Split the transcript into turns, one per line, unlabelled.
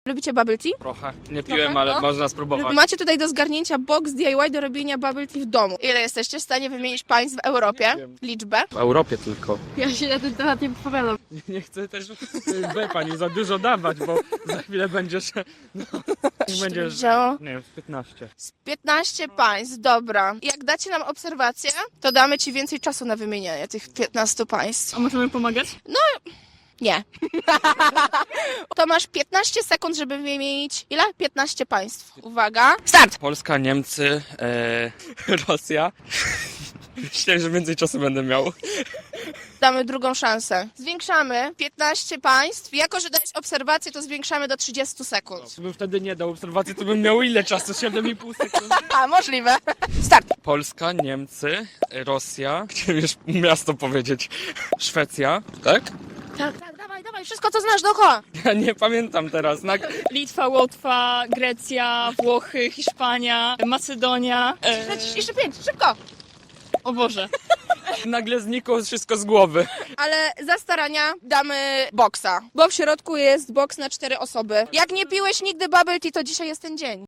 Lubicie bubble tea?
Trochę. Nie piłem,
Trochę?
ale
No.
można spróbować.
Macie tutaj do zgarnięcia box DIY do robienia bubble tea w domu. Ile jesteście w stanie wymienić państw w Europie?
Nie wiem.
Liczbę?
W Europie tylko.
Ja się na ten temat nie wypowiadam.
Nie chcę też pani za dużo dawać, bo za chwilę będziesz... No, będziesz...
Wzięło
Nie wiem, 15.
z 15 państw, dobra. Jak dacie nam obserwację, to damy ci więcej czasu na wymienianie tych 15 państw.
A możemy pomagać?
Nie. To masz 15 sekund, żeby wymienić ile? 15 państw. Uwaga. Start!
Polska, Niemcy, Rosja. Myślę, że więcej czasu będę miał.
Damy drugą szansę. Zwiększamy 15 państw. Jako, że dajesz obserwację, to zwiększamy do 30 sekund.
Gdybym wtedy nie dał obserwacji, to bym miał ile czasu? 7,5 sekundy.
A, możliwe. Start.
Polska, Niemcy, Rosja. Chciałem już miasto powiedzieć. Szwecja. Tak?
Tak, dawaj, wszystko co znasz dookoła.
Ja nie pamiętam teraz.
Litwa, Łotwa, Grecja, Włochy, Hiszpania, Macedonia.
Jeszcze 5, szybko.
O Boże.
Nagle znikło wszystko z głowy.
Ale za starania damy boksa, bo w środku jest boks na 4 osoby. Jak nie piłeś nigdy bubble tea, to dzisiaj jest ten dzień.